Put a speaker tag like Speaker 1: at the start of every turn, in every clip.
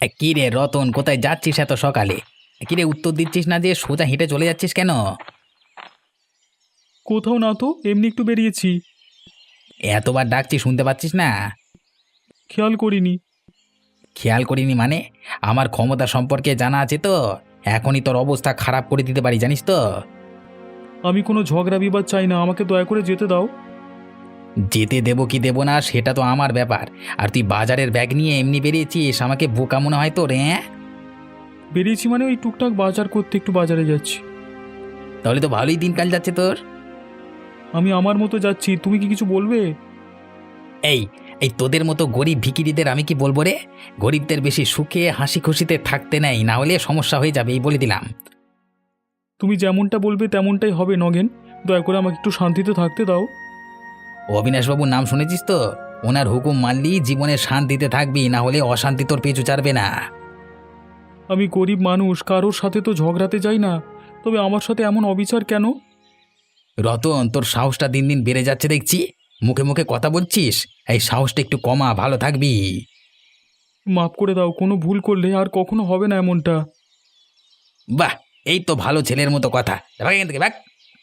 Speaker 1: কি রে রতন, কোথায় যাচ্ছিস এত সকালে? কি রে, উত্তর দিচ্ছিস না যে, সোজা হেঁটে চলে যাচ্ছিস কেন?
Speaker 2: কোথাও না তো, এমনি একটু বেরিয়েছি।
Speaker 1: এতবার ডাকছি, শুনতে পাচ্ছিস না?
Speaker 2: খেয়াল করিনি।
Speaker 1: খেয়াল করিনি মানে? আমার ক্ষমতা সম্পর্কে জানা আছে তো। এখনই তোর অবস্থা খারাপ করে দিতে পারি, জানিস তো।
Speaker 2: আমি কোনো ঝগড়া বিবাদ চাই না, আমাকে দয়া করে যেতে দাও।
Speaker 1: যেতে দেবো কি দেবো না সেটা তো আমার ব্যাপার। আর তুই বাজারের ব্যাগ নিয়ে এমনি বেরিয়েছিস, আমাকে বোকা মনে হয় তোর, হ্যাঁ?
Speaker 2: বেরিয়েছি মানে ওই টুকটাক বাজার করতে একটু বাজারে যাচ্ছি।
Speaker 1: তাহলে তো ভালোই দিনকাল যাচ্ছে তোর।
Speaker 2: আমি আমার মতো যাচ্ছি, তুমি কি কিছু বলবে?
Speaker 1: এই এই তোদের মতো গরিব ভিখিরিদের আমি কি বলবো রে? গরিবদের বেশি সুখে হাসি খুশিতে থাকতে নেই, না হলে সমস্যা হয়ে যাবে, এই বলে দিলাম।
Speaker 2: তুমি যেমনটা বলবে তেমনটাই হবে নগেন। দয়া করে আমাকে একটু শান্তিতে থাকতে দাও।
Speaker 1: অবিনাশবাবুর নাম শুনেছিস তো? ওনার হুকুম মানলি জীবনে শান্তিতে থাকবি, না হলে অশান্তি তোর পিছু ছাড়বে না।
Speaker 2: আমি গরিব মানুষ, কারোর সাথে তো ঝগড়াতে যাই না। তবে আমার সাথে এমন অবিচার কেন?
Speaker 1: রতন, তোর সাহসটা দিন দিন বেড়ে যাচ্ছে দেখছি। মুখে মুখে কথা বলছিস, এই সাহসটা একটু কমা, ভালো থাকবি।
Speaker 2: মাফ করে দাও, কোনো ভুল করলে আর কখনো হবে না এমনটা।
Speaker 1: বাহ, এই তো ভালো ছেলের মতো কথা। ভাগ এখান থেকে, ভাগ।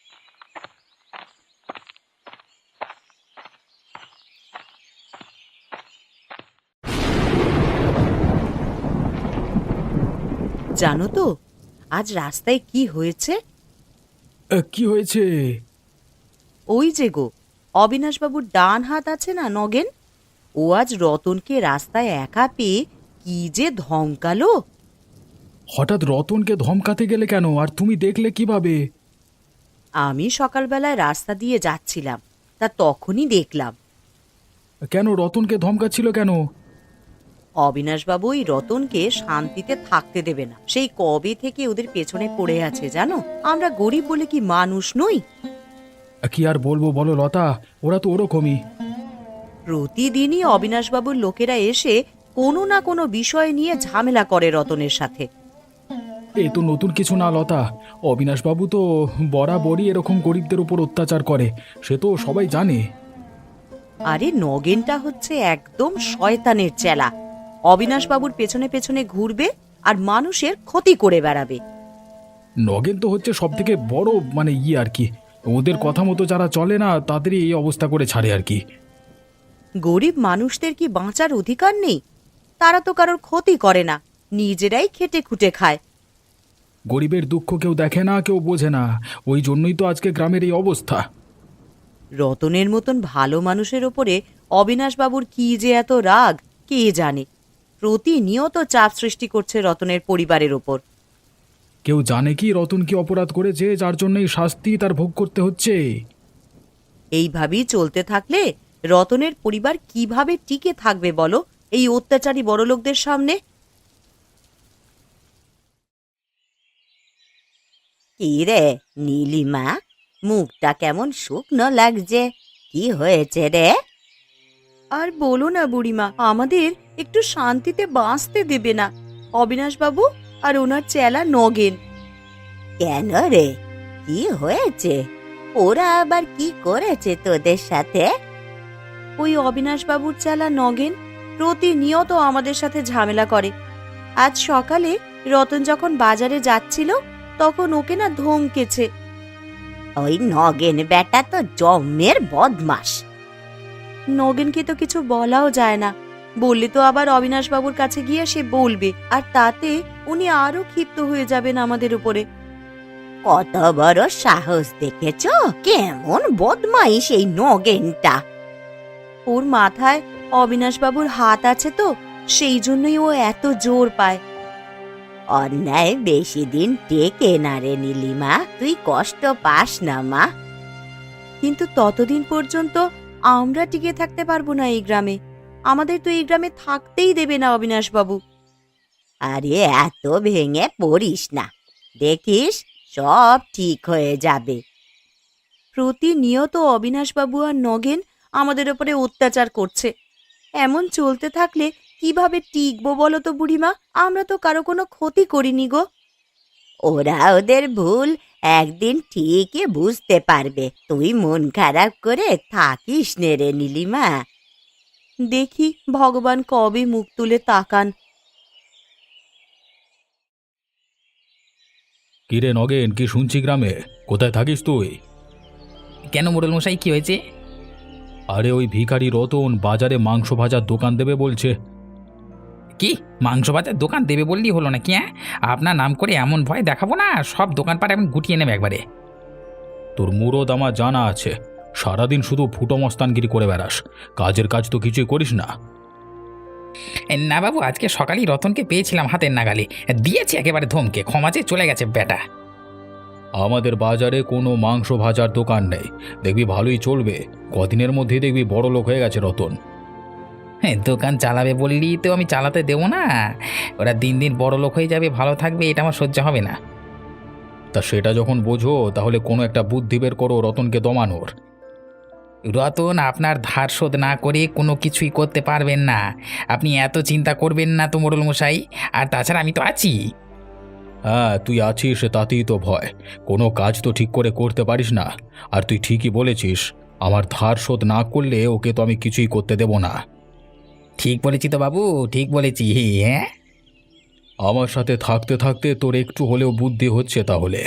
Speaker 3: জানো তো আজ রাস্তায় কি হয়েছে?
Speaker 2: কি হয়েছে?
Speaker 3: ওই যে গো, অবিনাশবাবুর ডান হাত আছে না নগেন, ও আজ রতনকে রাস্তায় একা পেয়ে কি যে ধমকালো।
Speaker 2: হঠাৎ রতনকে ধমকাতে গেলে কেন, আর তুমি দেখলে কিভাবে?
Speaker 3: আমি সকালবেলায় রাস্তা দিয়ে যাচ্ছিলাম, তা তখনই দেখলাম।
Speaker 2: কেন রতনকে ধমকাচ্ছিল কেন?
Speaker 3: অবিনাশবাবু ওই রতনকে শান্তিতে থাকতে দেবে না, সেই কবে থেকে ওদের পেছনে পড়ে আছে জানো। আমরা গরিব বলে কি মানুষ নই?
Speaker 2: কি আর বলবো বলো লতা, ওরা তো ওরকমই।
Speaker 3: প্রতিদিনই অবিনাশবাবুর লোকেরা এসে কোনো না কোনো বিষয় নিয়ে ঝামেলা করে রতনের সাথে।
Speaker 2: এ তো নতুন কিছু না লতা। অবিনাশবাবু তো বরাবরই এরকম গরিবদের উপর অত্যাচার করে, সে তো সবাই জানে।
Speaker 3: আরে নগেনটা হচ্ছে একদম শয়তানের চেলা। অবিনাশবাবুর পেছনে পেছনে ঘুরবে আর মানুষের ক্ষতি করে বেড়াবে।
Speaker 2: নগেন তো হচ্ছে সব থেকে বড় মানে আর কি, ওদের কথা মতো যারা চলে না তাদেরই এই অবস্থা করে ছাড়ে আর কি।
Speaker 3: গরিব মানুষদের কি বাঁচার অধিকার নেই? তারা তো কারোর ক্ষতি করে না, নিজেরাই খেটে খুটে খায়।
Speaker 2: গরিবের দুঃখ কেউ দেখে না, কেউ বোঝে না। ওই জন্যই তো আজকে গ্রামের এই অবস্থা।
Speaker 3: রতনের মতন ভালো মানুষের ওপরে অবিনাশবাবুর কি যে এত রাগ, কে জানে। প্রতিনিয়ত চাপ সৃষ্টি করছে রতনের পরিবারের ওপর।
Speaker 2: কেউ জানে কি রতন কি অপরাধ করেছে যার জন্য এই শাস্তি তার ভোগ করতে হচ্ছে?
Speaker 3: এইভাবেই চলতে থাকলে রতনের পরিবার কিভাবে টিকে থাকবে বলো এই অত্যাচারী বড়লোকদের সামনে? কি রে নীলিমা, মুখটা কেমন শুকনো লাগছে, কি হয়েছে রে? আর বলো না বুড়িমা, আমাদের একটু শান্তিতে বাঁচতে দেবে না অবিনাশবাবু আর ওনার চেলা নগেন। কেন রে, কি হয়েছে? ওরা আবার কি করেছে তোদের সাথে? ওই অবিনাশবাবুর চেলা নগেন প্রতিনিয়ত আমাদের সাথে ঝামেলা করে। আজ সকালে রতন যখন বাজারে যাচ্ছিল তখন ওকে না ধমকেছে। ওই নগেন বেটা তো জম্মের বদমাস। নগেনকে তো কিছু বলাও যায় না, বললে তো আবার অবিনাশবাবুর কাছে গিয়ে সে বলবে, আর তাতে উনি আরো ক্ষিপ্ত হয়ে যাবেন আমাদের উপরে। কত বড় সাহস দেখেছো, কেমন বদমাইশ এই নগেনটা। ওর মাথায় অবিনাশবাবুর হাত আছে তো, সেই জন্যই ও এত জোর পায়। অন্যায় বেশি দিন টেকে না রে নীলিমা, তুই কষ্ট পাস না মা। কিন্তু ততদিন পর্যন্ত আমরা টিকে থাকতে পারবো না এই গ্রামে। আমাদের তো এই গ্রামে থাকতেই দেবে না অবিনাশবাবু। আরে এত ভেঙে পড়িস না, দেখিস সব ঠিক হয়ে যাবে। প্রতিনিয়ত অবিনাশবাবু আর নগেন আমাদের ওপরে অত্যাচার করছে। এমন চলতে থাকলে কিভাবে টিকবো বলো তো বুড়িমা? আমরা তো কারো কোনো ক্ষতি করিনি গো। ওরা ওদের ভুল একদিন ঠিকই বুঝতে পারবে, তুই মন খারাপ করে থাকিস নে রে নীলিমা। দেখি ভগবান কবে মুখ তুলে তাকান।
Speaker 2: কিরে নগেন, কি শুনছি গ্রামে? কোথায় থাকিস তুই?
Speaker 1: কেন মোড়ল মশাই, কি হয়েছে?
Speaker 2: আরে ওই ভিখারি রতন বাজারে মাংস ভাজার দোকান দেবে বলছে।
Speaker 1: কি মাংস ভাজার দোকান দেবে বললেই হলো না কি? হ্যাঁ, আপনার নাম করে এমন ভয় দেখাবো না, সব দোকানপাট এখন গুটিয়ে নেবে একবারে।
Speaker 2: তোর মুরদ আমার জানা আছে, সারাদিন শুধু ফুটো মস্তানগিরি করে বেড়াস, কাজের কাজ তো কিছুই করিস না।
Speaker 1: না বাবু, আজকে সকালেই রতনকে পেয়েছিলাম হাতের নাগালে, দিয়েছি একেবারে ধমকে, ক্ষমা চেয়ে চলে গেছে বেটা।
Speaker 2: আমাদের বাজারে কোনো মাংস ভাজার দোকান নেই, দেখবি ভালোই চলবে, কদিনের মধ্যেই দেখবি বড় লোক হয়ে গেছে রতন।
Speaker 1: হ্যাঁ, দোকান চালাবে বললি তো আমি চালাতে দেবো না। ওরা দিন দিন বড় লোক হয়ে যাবে, ভালো থাকবে, এটা আমার সহ্য হবে না।
Speaker 2: তা সেটা যখন বোঝো তাহলে কোনো একটা বুদ্ধি বের করো রতনকে দমানোর।
Speaker 1: রতন আপনার ধার শোধ না করে কোনো কিছুই করতে পারবেন না, আপনি এত চিন্তা করবেন না তো মোড়ল মশাই। আর তাছাড়া আমি তো আছি।
Speaker 2: হ্যাঁ, তুই আছিস তাতেই তো ভয়, কোনো কাজ তো ঠিক করে করতে পারিস না। আর তুই ঠিকই বলেছিস, আমার ধার শোধ না করলে ওকে তো আমি কিছুই করতে দেব না।
Speaker 1: ঠিক বলেছি তো বাবু, ঠিক বলেছি। হ্যাঁ,
Speaker 2: আমার সাথে থাকতে থাকতে তোর একটু হলেও বুদ্ধি হচ্ছে তাহলে।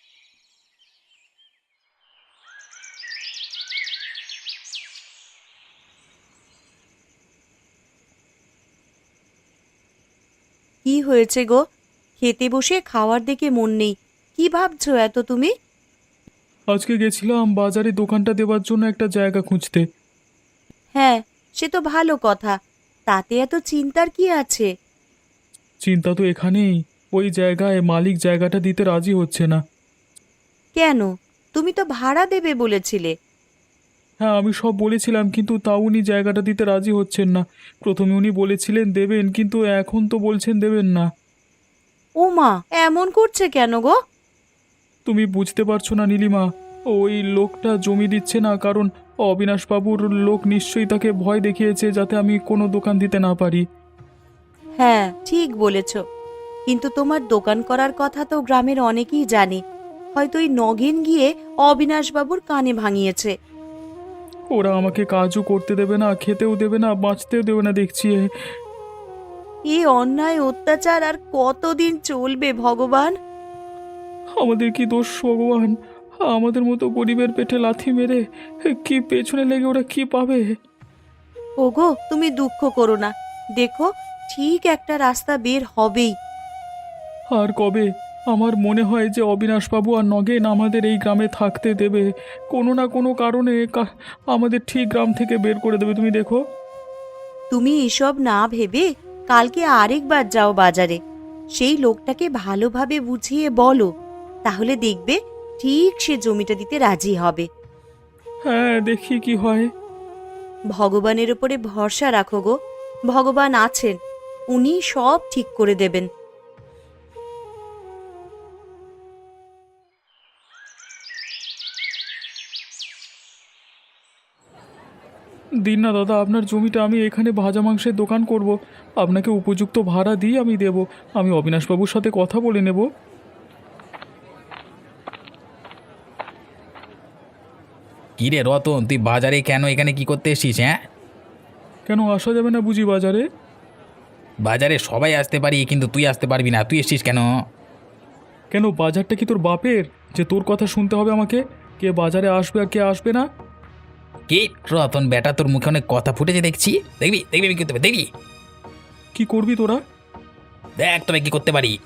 Speaker 3: কি হয়েছে গো? খেতে বসে খাওয়ার দিকে মন নেই, কি ভাবছো এত তুমি?
Speaker 2: আজকে গেছিলাম বাজারে দোকানটা দেওয়ার জন্য একটা জায়গা খুঁজতে।
Speaker 3: হ্যাঁ, সে তো ভালো কথা, তাতে এত চিন্তার কি আছে?
Speaker 2: চিন্তা তো এখানেই, ওই জায়গায় মালিক জায়গাটা দিতে রাজি হচ্ছে না।
Speaker 3: কেন? তুমি তো ভাড়া দেবে বলেছিলে।
Speaker 2: হ্যাঁ, আমি সব বলেছিলাম, কিন্তু তাও উনি জায়গাটা দিতে রাজি হচ্ছেন না। প্রথমে উনি বলেছিলেন দেবেন, কিন্তু এখন তো বলছেন দেবেন না।
Speaker 3: ও মা, এমন করছে কেন গো?
Speaker 2: তুমি বুঝতে পারছো না নীলিমা, ওই লোকটা জমি দিচ্ছে না, কারণ অবিনাশবাবুর লোক নিশ্চয়ই তাকে ভয় দেখিয়েছে যাতে আমি কোনো দোকান দিতে না পারি।
Speaker 3: হ্যাঁ, ঠিক বলেছ, কিন্তু তোমার দোকান করার কথা তো গ্রামের অনেকেই জানে, হয়তো ওই নগেন গিয়ে অবিনাশবাবুর কানে ভাঙিয়েছে।
Speaker 2: ওরা আমাকে কাজও করতে দেবে না, খেতেও দেবে না, বাঁচতেও দেবে না দেখছি।
Speaker 3: এই অন্যায় অত্যাচার আর কতদিন চলবে ভগবান?
Speaker 2: আমাদের কি দোষ ভগবান? আমাদের মতো গরিবের পেটে লাথি মেরে কি পেছনে লেগে ওরা কি পাবে?
Speaker 3: ওগো, তুমি দুঃখ করো না, দেখো ঠিক একটা রাস্তা বের হবেই।
Speaker 2: আর কবে? আমার মনে হয় যে অবিনাশবাবু আর নগেন আমাদের এই গ্রামে থাকতে দেবে, কোনো না কোনো কারণে আমাদের ঠিক গ্রাম থেকে বের করে দেবে, তুমি দেখো।
Speaker 3: তুমি এসব না ভেবে কালকে আরেকবার যাও বাজারে, সেই লোকটাকে ভালোভাবে বুঝিয়ে বলো, তাহলে দেখবে ঠিক সে জমিটা দিতে রাজি হবে।
Speaker 2: হ্যাঁ, দেখি কি হয়।
Speaker 3: ভগবানের উপরে ভরসা রাখো গো, ভগবান আছেন, উনি সব ঠিক করে দেবেন।
Speaker 2: দিন না দাদা, আপনার জমিটা আমি এখানে ভাজা মাংসের দোকান করব, আপনাকে উপযুক্ত ভাড়া দিয়ে আমি দেব। আমি অবিনাশবাবুর সাথে কথা বলে নেব।
Speaker 1: কি রে রতন, তুই বাজারে কেন, এখানে কি করতে এসছিস? হ্যাঁ,
Speaker 2: কেন আসা যাবে না বুঝি বাজারে?
Speaker 1: বাজারে সবাই আসতে পারি, কিন্তু তুই আসতে পারবি না, তুই এসছিস কেন?
Speaker 2: কেন, বাজারটা কি তোর বাপের যে তোর কথা শুনতে হবে আমাকে? কে বাজারে আসবে আর কে আসবে না?
Speaker 1: কি রতন বেটা, তোর মুখে অনেক কথা ফুটেছে দেখছি, দেখবি দেখবি আমি কি করতে পারি, দেখবি?
Speaker 2: কি করবি তোরা?
Speaker 1: দেখ তবে কি করতে পারি।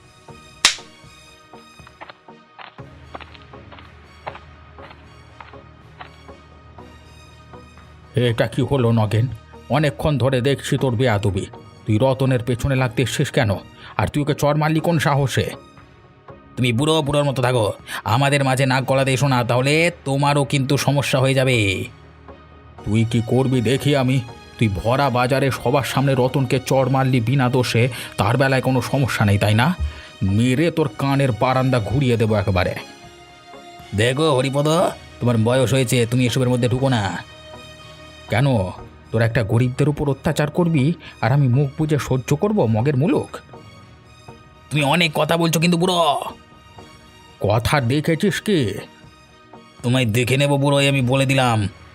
Speaker 2: এটা কি হলো নগেন? অনেকক্ষণ ধরে দেখছি তোর বেয়াদবি, তুই রতনের পেছনে লাগতে এসছিস কেন? আর তুই ওকে চর মারলি কোন সাহসে?
Speaker 1: তুমি বুড়ো বুড়োর মতো থাকো, আমাদের মাঝে নাক গলাতে এসো না, তাহলে তোমারও কিন্তু সমস্যা হয়ে যাবে।
Speaker 2: তুই কি করবি দেখি আমি। তুই ভরা বাজারে সবার সামনে রতনকে চর মারলি বিনা দোষে, তার বেলায় কোনো সমস্যা নেই তাই না? মেরে তোর কানের বারান্দা ঘুরিয়ে দেবো একেবারে।
Speaker 1: দেখো হরিপদ, তোমার বয়স হয়েছে, তুমি এসবের মধ্যে ঢুকো না।
Speaker 2: কেন, তোর একটা গরিবদের উপর অত্যাচার করবি আর আমি মুখ বুজে সহ্য করব মগের মুলুক?
Speaker 1: তুমি অনেক কথা বলছো কিন্তু বুড়ো।
Speaker 2: কথা দেখেছিস কি?
Speaker 1: তোমায় দেখে নেবো বুড়ো, আমি বলে দিলাম।